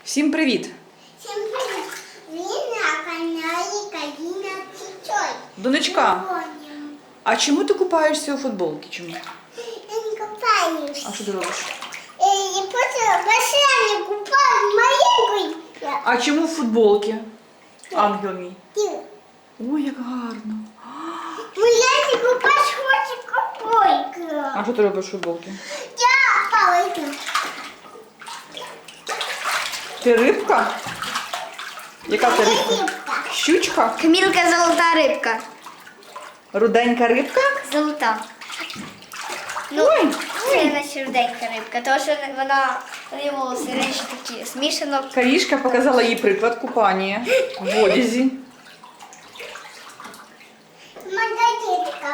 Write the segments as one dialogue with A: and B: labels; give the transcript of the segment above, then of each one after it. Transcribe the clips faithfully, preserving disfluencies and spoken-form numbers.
A: Всім привіт!
B: Всім привіт! Ви на каналі Каріна Цицой.
A: Донечка, а чому ти купаєшся у футболці? Чому?
B: Я не купаюсь.
A: А що ти робиш?
B: Я просто басейн купаю маленький.
A: А чому в футболці? Ангел мій.
B: Ти.
A: Ой, як гарно.
B: Я не купаюсь, хочу купойку.
A: А що ти робиш в футболці?
B: Я палка.
A: Ти рибка? Яка ти рибка?
B: Рибка.
A: Щучка?
C: Камілка золота рибка.
A: Руденька рибка?
C: Золота. Ну,
A: Ой,
C: це наша руденька рибка, тому що вона вони волоси речі такі смішано.
A: Карішка показала їй приклад купання в одязі.
B: Магазинка.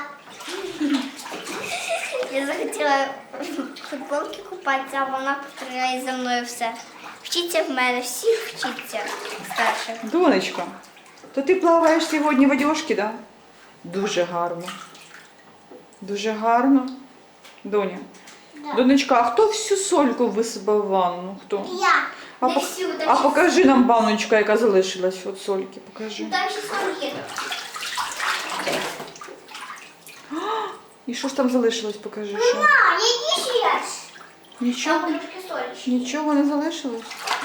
C: Я захотіла в футболці купатися, а вона повторяє за мною все. Вчіться в мене, всі вчіться старших.
A: Донечка, то ти плаваєш сьогодні в одежці, да? Дуже гарно. Дуже гарно. Доня. Донечка, а хто всю сольку висипав в ванну? Хто?
B: Я.
A: А,
C: Не
A: пок-
C: всю, там
A: а
C: ще-
A: покажи нам баночка, яка залишилась від сольки. Покажи.
C: Там ще соль є.
A: І що ж там залишилось? Покажи. Що?
B: Мама, иди сейчас.
A: Нічого?
C: Там трошки солі.
A: Нічого не залишилось?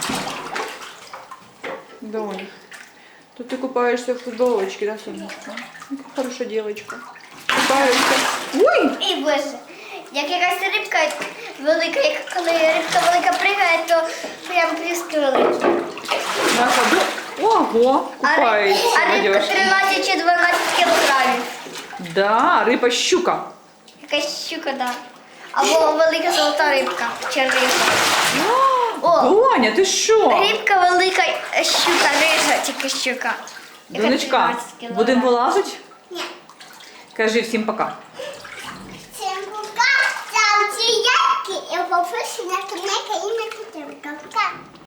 A: Донь, то ти купаєшся в футболочці, да, сонечко? Яка хороша дівчинка. Купаєшся. Ой!
C: І боже, як якась рибка велика, як коли рибка велика пригає, то прям плюски великі.
A: Наша до... Ого,
C: А, ри-
A: купається
C: а
A: в
C: рибка
A: одежці.
C: тринадцять чи дванадцять кілограмів.
A: Да, риба щука.
C: Якась щука, да. Або велика золота рибка, чи риба. О,
A: Доня, ти що?
C: рибка велика, щука, рижа, тільки щука. Яка
A: Донечка,
C: тринадцять кілограмів.
A: будемо вилазити?
B: Нет.
A: Кажи всім пока.
B: Всем пока. Ставьте лайки и подписывайтесь на канал Карина Цицой. Пока.